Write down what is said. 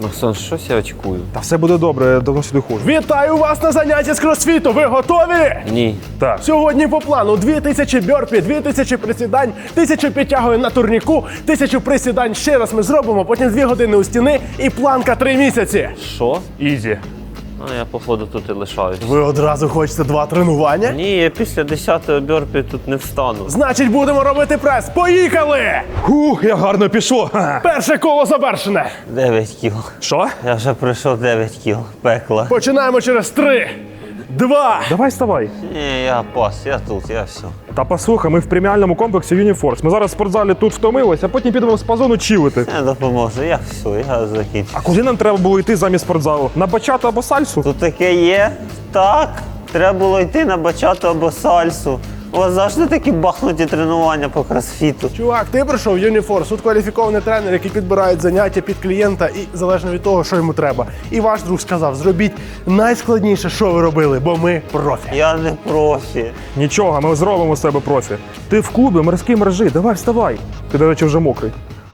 Максон, щось я очкую. Та все буде добре, я давно сюди ходжу. Вітаю вас на занятті з кросфіту. Ви готові? Ні. Так. Сьогодні по плану 2000 бьорпі, 2000 присідань, 1000 підтягувань на турніку, 1000 присідань ще раз ми зробимо, потім 2 години у стіни і планка 3 місяці. Що? Ізі. А я, походу, тут і лишаюсь. Ви одразу хочете 2 тренування? Ні, я після 10-го бьорпі тут не встану. Значить, будемо робити прес. Поїхали! Хух, як гарно пішло. Ха. Перше коло завершене. 9 кіл. Що? Я вже пройшов 9 кіл. Пекла. Починаємо через 3, 2. Давай вставай. Ні, я пас, я тут, я все. Та послухай, ми в преміальному комплексі Юніфорс. Ми зараз в спортзалі тут втомилися, а потім підемо в спа-зону чилити. Не допоможе, я все, я закінчу. А куди нам треба було йти замість спортзалу? На бачату або сальсу? Тут таке є? Так. Треба було йти на бачату або сальсу. У вас завжди такі бахнуті тренування по кросфіту. Чувак, ти прийшов в Юніфорс, тут кваліфікований тренер, який підбирає заняття під клієнта і залежно від того, що йому треба. І ваш друг сказав, зробіть найскладніше, що ви робили, бо ми профі. Я не профі. Нічого, ми зробимо з себе профі. Ти в клубі морський мережі, давай вставай. Ти, до речі, вже мокрий.